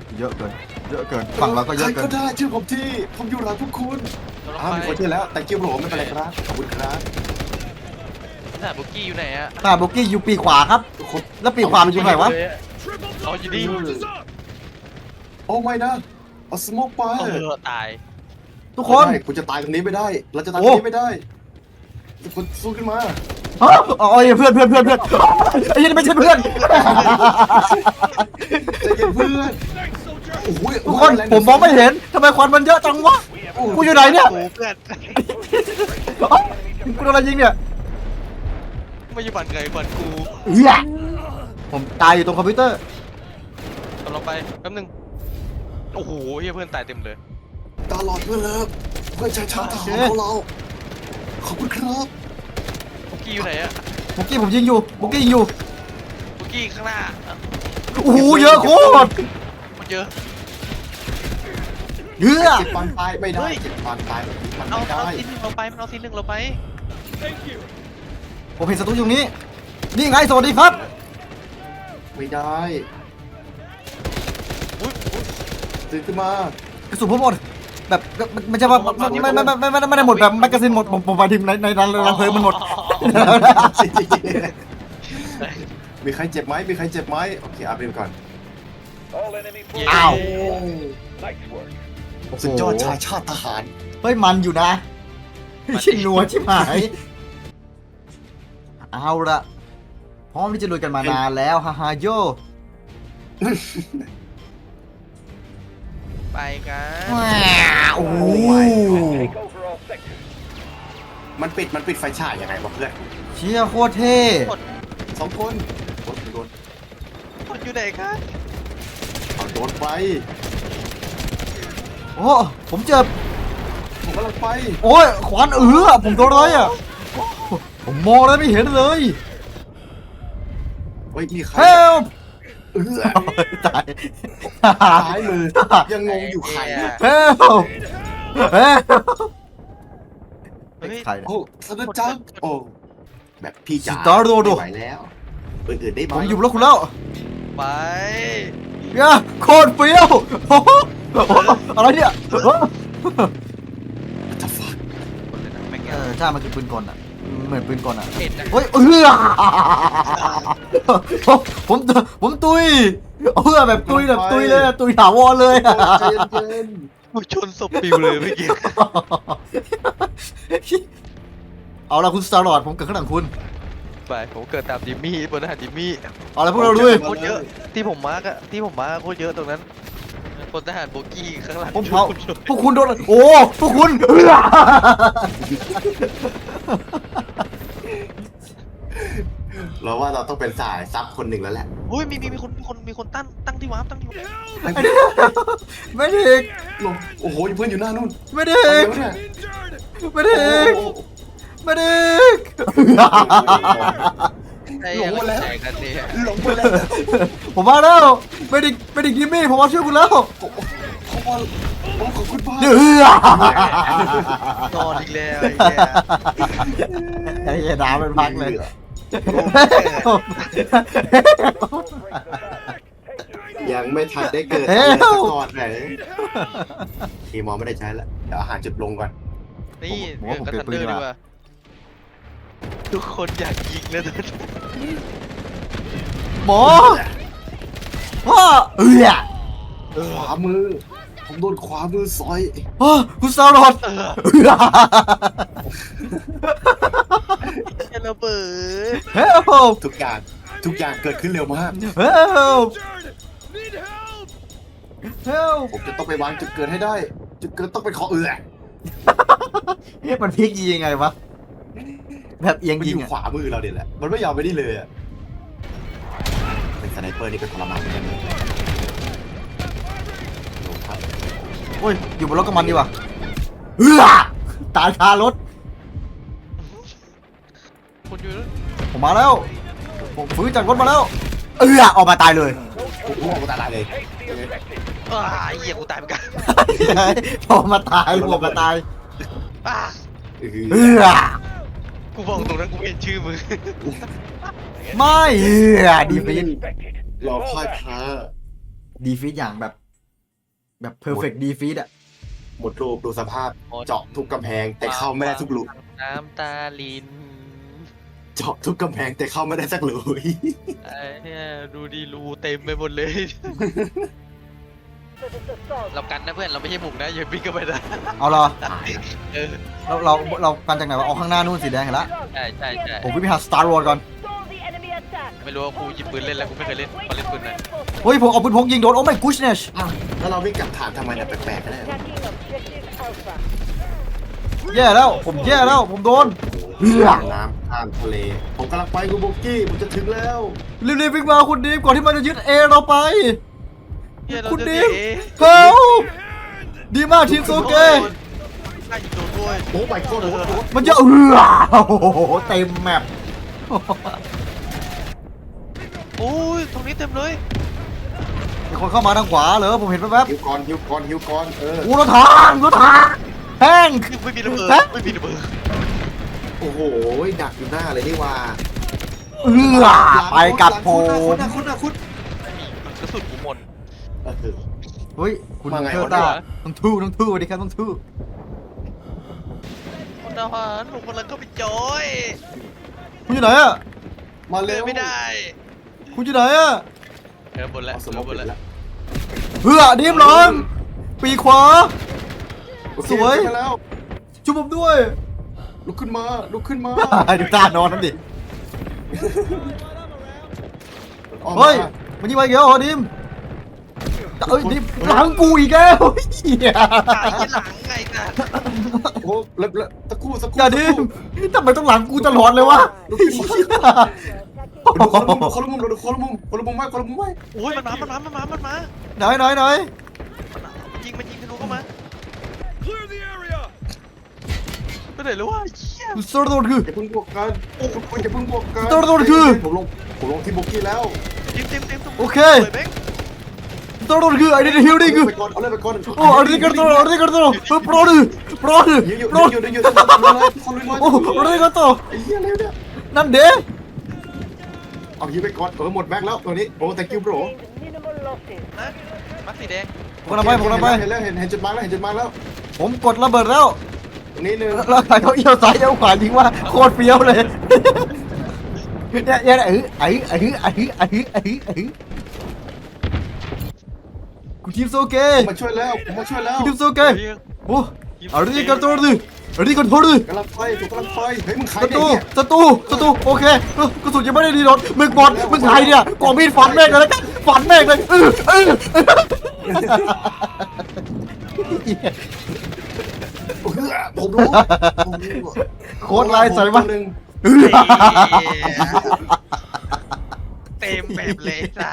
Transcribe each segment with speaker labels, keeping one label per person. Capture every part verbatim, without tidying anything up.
Speaker 1: เยอะเกินเยอะเกินฝั่งเราก็เยอะเกิน
Speaker 2: ใครก็ได้ชื่อผมที่ผมอยู่หลังพวกคุณอ้าวมีคนชื่อแล้วแต่กิ้วโหลไม่เป็นไรครับขอบคุณครับ
Speaker 3: สนามบุกกี้อยู่ไหนอะ
Speaker 1: ตาบุกกี้อยู่ปีกขวาครับแล้วปีกขวามันอยู่ไหนวะ
Speaker 3: อ๋ออยู่นี่
Speaker 2: โอ้ไม่นะเอาสโมกไป
Speaker 3: เออตาย
Speaker 1: ทุกคน
Speaker 2: ไม่ได้คุณจะตายตรงนี้ไม่ได้ เราจะตายตรงนี้ไม่ได้คุณสู้ขึ้นมา
Speaker 1: อ๋อเพื่อนเพื่อนเพื่อนเพื่อนไอ้ยี่ไม่ใช่เพื่อน
Speaker 2: ใจเย็นเพื่อนโอ้โห
Speaker 1: ทุกคนผมมองไม่เห็นทำไมควันมันเยอะจังวะกูอยู่ไหนเนี่ย
Speaker 3: โอ้เพื่อน
Speaker 1: กูโดนอะไรยิงเนี่ย
Speaker 3: ไม่อยู่บันไงบันกู
Speaker 1: เฮียผมตายอยู่ตรงคอมพิวเตอร์
Speaker 3: ตกลงไปแป๊บนึงโอ้โหเฮียเพื่อนตายเต็มเลย
Speaker 2: ตลอดเพื่อนเลิฟเพื่อนชายชาติทหารของเราขอบคุณครับ
Speaker 3: บุกกี้อยู่ไหนอะ
Speaker 1: บุกกี้ผมยิงอยู่บุกกี้ยิงอยู่
Speaker 3: บุกกี้ข้างหน้า
Speaker 1: โอ้โหเยอะโคตร
Speaker 3: มันเยอะ
Speaker 1: เยอะ
Speaker 2: เจ็บปานตายไม่ได้เจ็บปานตายแบบนี้มัน
Speaker 3: เอา
Speaker 2: ไม่
Speaker 3: เอา
Speaker 2: ได้
Speaker 3: ซีนหนึ่งเราไปมันเอาซีนหนึ่งเราไป
Speaker 1: ผมเห็นศัตรูอยู่ตรงนี้นี่ไงสวัสดีครับ
Speaker 2: ไม่ได้
Speaker 3: อุ้ยอุ๊ย
Speaker 2: ตื่นขึ้นมาก
Speaker 1: ระสุนผมหมดแบบไม่ใช่ว่าไม่ไม่ไม่ไม่ไม่ไม่ได้หมดแบบแมกกาซีนหมดผมผมหมายถึงในในรังรังเพลิงมันหมด
Speaker 2: มีใครเจ็บไหมมีใครเจ็บไหมโอเคอาร์เบมก่อน
Speaker 3: เย้
Speaker 1: อ้าว
Speaker 2: สุดยอดชายชาติทหาร
Speaker 1: เฮ้ยมันอยู่นะชิงนัวชิบหายเอาละพร้อมที่จะลุยกันมานานแล้วฮ่าฮ่าโย
Speaker 3: ไปกัน
Speaker 1: โอ้โห
Speaker 2: มันปิดมันปิดไฟฉายยังไงวะเพื่อน
Speaker 1: เชี่ยโคตรเท่
Speaker 2: สองคนโดนโดน
Speaker 3: มันอยู่ไหนครับ
Speaker 2: เอาโดนไป
Speaker 1: โอ้ผมเจอ
Speaker 2: ผมกำลังไป
Speaker 1: โอ้ยขวานเออผมโดนอะไรอ่ะผมมองแล้วไม่เห็นเลย
Speaker 2: เฮ้ยมีใคร
Speaker 1: เฮล
Speaker 2: เออ
Speaker 1: ตาย
Speaker 2: ซ้ายมือยังงงอยู่ใครเนี่ย
Speaker 1: เฮลเฮล
Speaker 3: เฮ้ย
Speaker 1: ใครเนี่ย
Speaker 2: โอ้สนุกจังโอ้แบบพี่จ๋า
Speaker 1: สตาร์โดโด
Speaker 2: ไม่ไหวแล้วอื่นๆได้ไหม
Speaker 1: ผมอยู่บนรถคุณแล้ว
Speaker 3: ไป
Speaker 1: เนี่ยโคตรเปรี้ยวโอ้โหอะไรเนี่ย
Speaker 2: จะฟัก
Speaker 3: คนเลยนะแม่ง
Speaker 1: เออใช่มันคือปืนกลอ่ะเหมือนปืนกลอ่ะ
Speaker 3: เห็นนะ
Speaker 1: เฮ้ยเออผมผมตุยเพื่อแบบตุยแบบตุยเลยตุยถาวรเลย
Speaker 2: ใจเย็น
Speaker 3: กูชนศพปิวเลยเมื่อกี้
Speaker 1: เอาละคุณสตาร์ลอร์ดผมเกิดข้างหลังคุณ
Speaker 3: ไปผมเกิดตามจิมมี่บนทหารจิมมี่
Speaker 1: เอาละพวกเราด้วย
Speaker 3: โคตรเยอะที่ผมมาร์กอะที่ผมมาร์กโคตรเยอะตรงนั้นพลทหารโบกี้ข้างหลัง
Speaker 1: ผมเผาพวกคุณโดนโอ้พวกคุณเออ
Speaker 2: ๆเราว่าเราต้องเป็นสายซับคนหนึ่งแล้วแหละ
Speaker 3: อุ้ยมีมีมีคนมีคนมีคนตั้งตั้งที่วาร์ปตั้งที่วาร์ป
Speaker 1: ไม่ได้อีก
Speaker 2: ลงโอ้โหเพื่อนอยู่หน้านู่น
Speaker 1: ไม่ได้
Speaker 2: ไป
Speaker 1: อีก
Speaker 2: แล้วเนี่ย
Speaker 1: ไม่ได้อีก
Speaker 2: โอ้โห
Speaker 1: ไม่ได้อีก
Speaker 3: ไอ้
Speaker 2: หลงหมดแล้ว
Speaker 3: แจกกันเนี่ย
Speaker 2: หลงไปแล้ว
Speaker 1: ผมมาแล้วไม่ได้ไม่ได้กิมมี่ผมมาช่วยคุณแล้ว
Speaker 2: เขาว่าโอ้ขอบคุณมาก
Speaker 1: เดือ
Speaker 3: นอนอีกแล้วไอ้เหี้ย
Speaker 1: ไอ้เหี้ยน้ำเป็นพักเลย
Speaker 2: ยังไม่ทันได้เกิด
Speaker 1: เฮ้
Speaker 2: อะไร
Speaker 1: ย
Speaker 2: สักก่อนเลยทีมอไม่ได้ใช้แล้วเดี๋ยวอาหารจุดลงก่อน
Speaker 3: นี่
Speaker 1: ผมว่าผม
Speaker 3: กระ
Speaker 1: เปลี่
Speaker 3: ทั
Speaker 1: ย
Speaker 3: น
Speaker 1: นปืน
Speaker 3: เดอ
Speaker 1: ดีกว่า
Speaker 3: ร์ดีกว่าทุกคนอยากยิงแล้วตอนนี้
Speaker 1: หมอพ่อเอือ
Speaker 2: ขวามือ ผมโดนขวามือซอย
Speaker 1: พ่อคุณสารอด
Speaker 3: เออ
Speaker 1: เอือ
Speaker 3: เฮลเบิร์ด
Speaker 1: เฮล
Speaker 2: ทุกอย่างทุกอย่างเกิดขึ้นเร็วมาก
Speaker 1: เฮลเฮล
Speaker 2: ผมจะต้องไปวางจุดเกิดให้ได้ จุดเกิดต้องเป็นขอเอือ
Speaker 1: มันพลิกยิงยังไงวะแบบเอียง
Speaker 2: มัน
Speaker 1: ยิ
Speaker 2: อง ยู่
Speaker 1: อะ
Speaker 2: ขวามือเราเนี่ยแหละมันไม่ยอมไปนี่เลยอะเป็นสไนเปอร์นี่เป็นทรมานเหมือนกันเลยโอ้ครับ
Speaker 1: โอ้ยอยู่บนรถกับมันดีกว่าเอือตายคารถ
Speaker 3: คนอยู่นั้น
Speaker 1: ผมมาแล้วผมฟื้นจากรถมาแล้วเอือออกมาตายเลย
Speaker 2: โอ้โหตาลายเลย
Speaker 3: อ้าเหี้ยกูตายเหมือนกัน
Speaker 1: พอมาตายลงมาตาย
Speaker 3: อ้า
Speaker 2: เอ
Speaker 1: เอื
Speaker 2: อ
Speaker 1: อ
Speaker 3: กูบอกตรงนั้นกูเห็นชื่อมึง
Speaker 1: ไม่เอือดีฟีด
Speaker 2: รอพ่ายแพ้
Speaker 1: ดีฟีดอย่างแบบแบบ perfect defeat อะ
Speaker 2: หมดรูปดูสภาพเจาะทุกกำแพงแต่เข้าไม่ได้ทุกรู
Speaker 3: น้ำตาลิน
Speaker 2: เจาะทุกกำแพงแต่เข้าไม่ได้สักรู
Speaker 3: ไอ้เนี่ยดูดีรูเต็มไปหมดเลย เรากันนะเพื่อนเราไม่ใช่บุกนะอย่าวิ่งเข้าไปนะ
Speaker 1: เอาเหรอ
Speaker 2: ตายละ
Speaker 3: เออ
Speaker 1: เราเราเรากันจากไหนวะเอาข้างหน้านู่นสีแดงเห็นละ
Speaker 3: ใช่ใช่ใช่
Speaker 1: ผมวิ่งไปหา Star Wars ก่อน
Speaker 3: ไม่รู้ว่ากูหยิบปืนเล่นแล้วกูไม่เคยเล่นพอเล่นปืนไหน
Speaker 1: เฮ้ยผมเอาปืนพกยิงโดนโอ้ my goodness
Speaker 2: อ้าวแล้วเราวิ่งกลับฐานทำไมเนี่ยแปลกๆกันเนี่ย
Speaker 1: แย่แล้วผมแย่แล้วผมโดน เหี้ย
Speaker 2: น้ำข้ามทะเล ผมกำลังไปกูโบกี้ผมจะถึงแล้ว
Speaker 1: รีบๆวิ่งมาคุณดีมก่อนที่มันจะยึดเอเราไป
Speaker 3: เฮียเรา
Speaker 1: คุณ
Speaker 3: จะ
Speaker 1: ดี
Speaker 3: เสีย
Speaker 1: ม
Speaker 3: เอ
Speaker 1: เฮ้ยดีมากทีมโซเกะ
Speaker 3: น่ายิงโดนด้วย
Speaker 2: โอ้ my god โอ้โห
Speaker 1: มันจะเออโอ้โหเต็มแมป
Speaker 3: โอ้ยตรงนี้เต็มเลย
Speaker 1: มีคนเข้ามาทางขวาเหรอผมเห็นแป๊บ
Speaker 2: ฮิวก่อนฮิวก่อนฮิวก่อนเออ
Speaker 1: ๆโอ้รถถังรถถังแห้ง
Speaker 3: ไม่มีระเบิด
Speaker 1: ฮะ
Speaker 3: ไม่มีระเบิด
Speaker 2: โอ้โหดักอยู่หน้าเลยนี่ว่า
Speaker 1: เออไปกับผ
Speaker 2: คุ
Speaker 1: ม
Speaker 2: ณนะคุณนะคุณ
Speaker 3: กระสุนกูหมด
Speaker 2: เออ
Speaker 1: เฮ้ยคุณ
Speaker 2: ว่าไง
Speaker 1: เทอ
Speaker 2: วะ
Speaker 1: ร์ต้า
Speaker 3: เนี่ย
Speaker 1: ต้องทู่ต้องทู่สวัสดีครับต้องทู่
Speaker 3: คนทหารผมกำลังเข้าไปจอย
Speaker 1: คุณอยู่ไหนอะ
Speaker 2: มา
Speaker 3: เดิ
Speaker 2: เร็
Speaker 3: น
Speaker 2: ว
Speaker 3: ไม่ได้
Speaker 1: คุณอยู่ไหนอะ
Speaker 3: เออบนแล้ว
Speaker 2: เอาส
Speaker 3: เอ
Speaker 2: ม
Speaker 3: อ
Speaker 2: อง
Speaker 3: บ
Speaker 2: ปิ
Speaker 3: น
Speaker 2: ด
Speaker 3: แล้ว
Speaker 2: แล้ว
Speaker 1: เฮือดีมหลอนปีกขวา
Speaker 2: โอเค
Speaker 1: สวย
Speaker 2: ขึ้นมาแล้ว
Speaker 1: ช่วยผมด้วย
Speaker 2: ลุกขึ้นมาลุกขึ้นมา
Speaker 1: ดูตานอนนั่นดิ
Speaker 2: ออกมา
Speaker 1: เฮ้ยมันยิงไปอีกแล้วเหรอดิมเอ้ยดิมหลังกูอีกแล้วเหี้ย
Speaker 3: ตายที่หลังไงนะ
Speaker 2: โอ้แล้วแล้วตะกู้ตะกู้
Speaker 1: อย่าดิมทำไมต้องหลังกูตลอดเลยวะ
Speaker 2: ลุกขึ้นมาดูคนละมุมคนละมุมดูคนละมุมคนละมุมไว้คนละมุมไว้
Speaker 3: โอ้ยมันมา มันมา มันมา มันมา
Speaker 1: ไหนไหนไหน
Speaker 3: มันยิง มันยิงทะลุเข้ามาไปไหนแล้ววะเหี้ย
Speaker 1: สโตร์โดนคือ
Speaker 2: อย่าเพิ่งบวกกันโอ้คุณอย่าเพิ่งบวกกัน
Speaker 1: ตัวตัวคือ
Speaker 2: ผมลงผมลงที่บุกกี้แล้ว
Speaker 3: เต็มเต็มเต็มตรง
Speaker 1: โอเค
Speaker 3: ปิดแบงค์
Speaker 1: สโตร์โดนคือไอ้นี่ฮิลดิ้งคือ
Speaker 2: ไปก่อนเอาเลยไปก่อน
Speaker 1: โอ้อันนี้กันตัวอันนี้กันตัวโปรดื้อโปรดื้อ
Speaker 2: ยืนอยู่
Speaker 1: โปร
Speaker 2: ยืนอยู่ยืนอยู่คนลุยมา
Speaker 1: โอ้อันนี้กันตัว
Speaker 2: ไอ้เหี้ยอะไรเนี่ย
Speaker 1: นั่นเด้
Speaker 2: เอายืนไปก่อนเออหมดแม็กแล้วตัวนี้โอ้ thank you bro
Speaker 3: นะมัดสีแดง
Speaker 1: ผมกำลังไปผมกำลังไป
Speaker 2: เห็นแล้วเห็นเห็นจุดมาร์กแล้วเห็นจุดมาร์กแล้ว
Speaker 1: ผมกดระเบิดแล้ว
Speaker 2: ตรงนี้หนึ่ง
Speaker 1: แล้วใครเขาเอี้ยวซ้ายเอี้ยวขวายิงว่าโคตรเฟี้ยวเลยเนี่ยเนี่ยเออไอ้ไอ้ไอ้ไอ้ไอ้ไอ้คุณทีมโซเกะ
Speaker 2: ผมมาช่วยแล้วผมมาช่วยแล้ว
Speaker 1: คุณทีมโซเกะโอ้อันนี้กันตัวดื้ออันนี้กันตัวดื้อก
Speaker 2: ำลังไฟถูกกำลังไฟเฮ้ยมึงใคร
Speaker 1: ศัต
Speaker 2: เนี่
Speaker 1: รู
Speaker 2: ย
Speaker 1: ศัตรูศัตรูโอเคเออกระสุนยังไม่ได้รีโหลดมึงบอลมึงใครเนี่ยกองมีดฟันแม่งเลยแล้วกันฟันแม่งเลยเออเออ
Speaker 2: ผมรู้
Speaker 1: โค้ดลายใส่มา
Speaker 2: หนึ่ง
Speaker 3: เต็มแบบเลยจ้ะ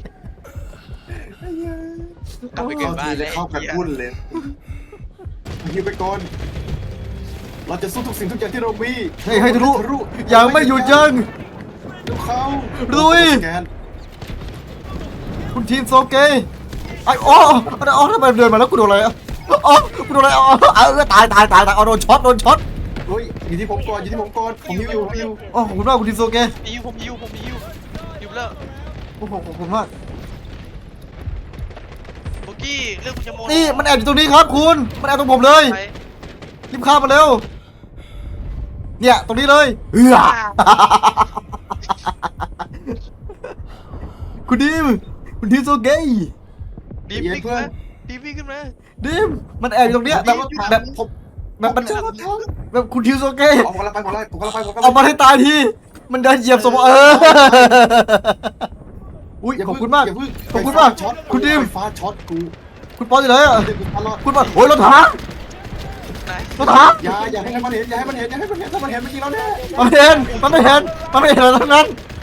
Speaker 3: กลับไปเกิดบ้านเลย
Speaker 2: เข้ากันวุ่นเลยยืนไปก่อนเราจะสู้ทุกสิ่งทุกอย่างที่เรามี
Speaker 1: เฮ้ยให้ทะลุยังไม่หยุดยั้ง
Speaker 2: ดูเขา
Speaker 1: ลุย
Speaker 2: สแกน
Speaker 1: คุณทีมโซเกะไอ้อ๋ออ๋อทำไมเดินมาแล้วกูโดนอะไรอ่ะอ๋อกูโดนอะไรอ๋อเออตายตายตายตายเอาโดนช็อตโดนช็อต
Speaker 2: เฮ้ยอยู่ที่ผมก่อนอยู่ที่ผมก่อนผมยิวอยู่ผมยิว
Speaker 1: อ๋อขอบคุณมากคุณทีมโซเกะ
Speaker 3: ยิวผมยิวผมยิวยิวแล้ว
Speaker 1: โอ้โหขอบคุณมาก
Speaker 3: โบกี้เรื่องคุณจะโม
Speaker 1: นี่มันแอบอยู่ตรงนี้ครับคุณมันแอบตรงผมเลย
Speaker 3: ไป
Speaker 1: รีบข้ามมาเร็วเนี่ยตรงนี้เลยเออคุณดีมคุณทีมโซเกะ
Speaker 3: ดีวิ่งขึ้นมาดีวิ่งขึ้นมา
Speaker 1: ดิมมันแอบอยู่ตรงเนี้ยแบบแบบ
Speaker 2: ผม
Speaker 1: แบบมัน
Speaker 2: เจอรถถัง
Speaker 1: แบบคุณทิวโซเกะ
Speaker 2: ผมกำลังไปผมกำลังไปผมกำลังไปผมกำลัง
Speaker 1: เอามาให้ตายทีมันเดินเหยียบสมองเอออุ้ยขอบคุณมาก
Speaker 2: ย่เพิ่ง
Speaker 1: ขอบคุณมาก
Speaker 2: ไฟฟ้ช็อต
Speaker 1: คุณดิม
Speaker 2: ไฟฟ้าช็อตกู
Speaker 1: คุณปอนอยู่ไหนอ่ะ
Speaker 2: เดี๋ยวกูตลอด
Speaker 1: คุณปอนโอ้ยรถถัง
Speaker 3: ไหน
Speaker 1: รถถัง
Speaker 2: อย่าอย่าให้มันเห็นอย่าให้มันเห็นอย่าให้มันเห็นถ้ามันเห็นเมื่อกี้เราแน่
Speaker 1: มันไม่เห็นมันไม่เห็นมันไม่เห็นอะไรทั้งนั้น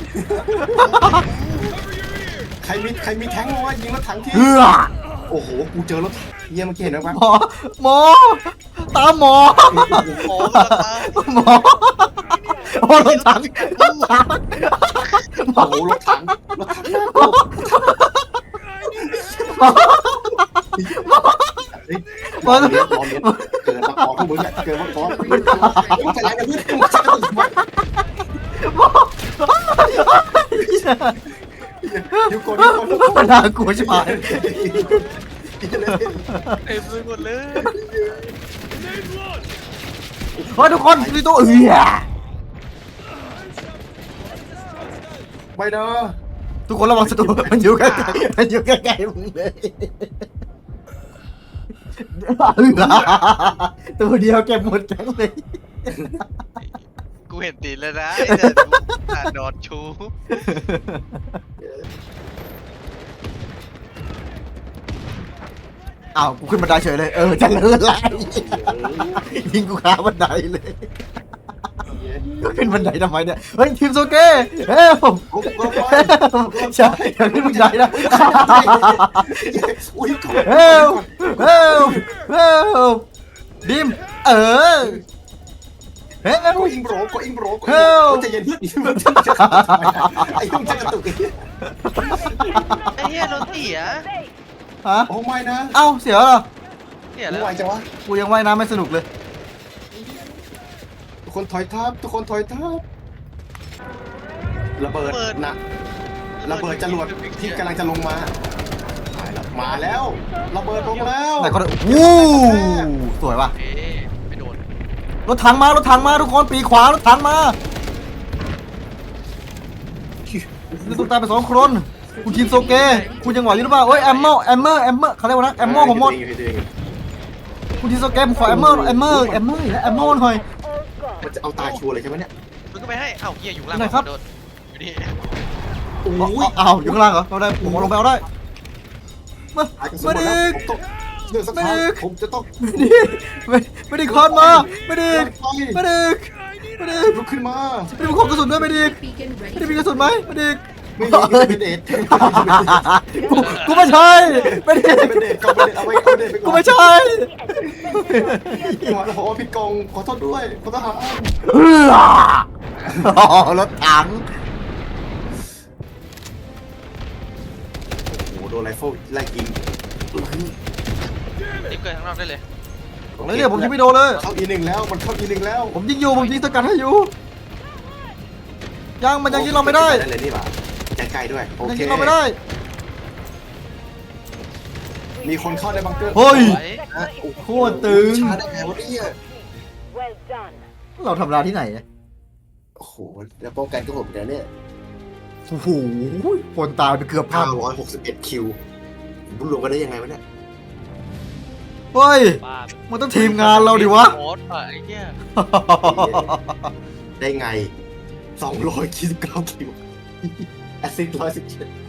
Speaker 2: ใครมีใครมีแท้งวะยิงรถถังที
Speaker 1: เฮือ
Speaker 2: โอ้โหกูเจอรถเยี่ยเมื่อกี้เห็นไหม
Speaker 1: หมอหมอตามหมอ
Speaker 3: โอ้กระตา
Speaker 1: หมอโอ้รถถังรถถังหมอ
Speaker 2: โอ้โหรถถังรถถังน่ากลัวเฮ้ยรอเลี้ยงรอเลี้ยงเกิดมาขอพวกมึงเนี่ยเกิดมาขอมึงจะไรกันมึงมึงจะตื่นมาอยู่ก่อนอยู่ก่อน
Speaker 1: มันน่ากลัวใช่ไหม
Speaker 3: เต็มไปหมดเลย
Speaker 1: เฮ้ยทุกคนมีตัวเอือ
Speaker 2: ไม่นะ
Speaker 1: ทุกคนระวังศัตรูมันอยู่ใกล้ๆมันอยู่ใกล้ๆมึงเลยตัวเดียวเก็บหมดแก๊งเลย
Speaker 3: กูเห็นตีนแล้วนะไอ้แต่กูอ่านนอนชู
Speaker 1: อ้าวกูขึ้นบันไดเฉยเลยเออจะเลิศไรยิงกูขาบันไดเลยก็ขึ้นบันไดทำไมเนี่ยเฮ้ยทีมโซเก้เฮ้ยผม
Speaker 2: กูกูไป
Speaker 1: ใช่อย่าขึ้นบันไดนะ
Speaker 2: อุ้ย
Speaker 1: เฮ้ยเฮ้ยเฮ้ยดิมเออเฮ้ย
Speaker 2: กูอิงโบรกูอิงโบรกูจะเย็นพืชมันจะไอ้ยุ่งจะกระตุก
Speaker 3: ไอ้เหี้ยโดนเสีย
Speaker 1: ฮะ
Speaker 2: โอ้ไม่นะ
Speaker 1: เอ้าเสียเหรอ
Speaker 3: เสีย
Speaker 2: ไม่
Speaker 3: แล้ว
Speaker 2: ไหวจังวะ
Speaker 1: กูยังว่ายน้ำไม่สนุกเลย
Speaker 2: ทุกคนถอยทับทุกคนถอยทับระเบิดนะระเบิดจรวดที่กำลังจะลงมามาแล้วระเบิดลงแล้ว
Speaker 1: ไหนก็ได้วู้สวยว่ะ
Speaker 3: เอ๊ะไม่โดน
Speaker 1: รถถังมารถถังมาทุกคนปีขวารถถังมานี่ต้องตายไปสองคนคุณทีมโซเกะคุณยังไหวอยู่หรือเปล่าเอ้ยแอมเมอร์แอมเมอร์แอมเมอร์เขาเรียกว่านะแอมเมอร์ผมหมดคุณทีมโซเกะผมขอแอมเมอร์แอมเมอร์แอมเมอร์แอมเมอร์หน่อย
Speaker 2: มันจะเอาตายชัวร์เลยใช่ไหมเนี่ย
Speaker 3: มึงก็ไปให้เอ้าเหี้ยอยู่ล่าง
Speaker 1: ไหนครับ
Speaker 3: โดนอยู่นี่
Speaker 2: โอ้
Speaker 1: อ้าวย อ้าวอยู่ข้างล่างเหรอเอาได้ผมเอาลงไปเอาได้มา
Speaker 2: ตายกันสม
Speaker 1: มา
Speaker 2: บูรณ์
Speaker 1: ดิ
Speaker 2: แล้วผมต้องเดือดสักครั้งผมจะต้อง
Speaker 1: มาดิมามาดิคอนมามาดิมาดิมาดิ
Speaker 2: ลุกขึ้นมา
Speaker 1: มาดิของกระสุนด้วยมาดิมาดิมีกระสุนไหมมาดิ
Speaker 2: ไม่มีเป็นเดท
Speaker 1: กูกูไม่ใช่ไม่ได้
Speaker 2: เป็นเดทก็เป็นเดทเอาไว้เอาเดทไปก่อน
Speaker 1: กูไม่ใช่
Speaker 2: หัวเราบอกว่าผิดกองขอโทษด้วยขอโทษหา
Speaker 1: เอออ๋อรถถัง
Speaker 2: โอ้โหโดนไรเฟิลไล่ยิง
Speaker 3: รีบเกิดข้างนอกได้เลย
Speaker 1: แล้วเนี่ยผมยิงไม่โดนเลย
Speaker 2: เข้าอีหนึ่งแล้วมันเข้าอีหนึ่งแล้ว
Speaker 1: ผมยิงอยู่ผมยิงสกัดให้อยู่ยังมันยังยิงเราไม่ได้
Speaker 2: เลยนี่ป่ะใจไกลด้วยโอ
Speaker 1: ยัง
Speaker 2: เค
Speaker 1: ยิงเราไม่ได้
Speaker 2: มีคนเข้าในบังเกอร์
Speaker 1: เฮ้ย
Speaker 3: ไว้
Speaker 1: โคตรตึง
Speaker 2: ชาได้ไงวะเนี่ย
Speaker 4: Well done.
Speaker 1: เราทำร้านที่ไหนเนี่ย
Speaker 2: โอ้โหแล้วป้องกันก็ผมเนี่ย
Speaker 1: โอ้โหคนตายไปเกือบพัน
Speaker 2: เก้าร้อยหกสิบเอ็ดคิวบุญรวมกันได้ยังไงวะเนี่ย
Speaker 1: เฮ้ย
Speaker 3: บ้า
Speaker 1: มันต้องทีมงานเราดิวะ
Speaker 3: โคตรอ่ะไอ้เหี้ย
Speaker 2: ได้ไงสองร้อยยี่สิบเก้าคิวแอสซิสต์ร้อยสิบเจ็ด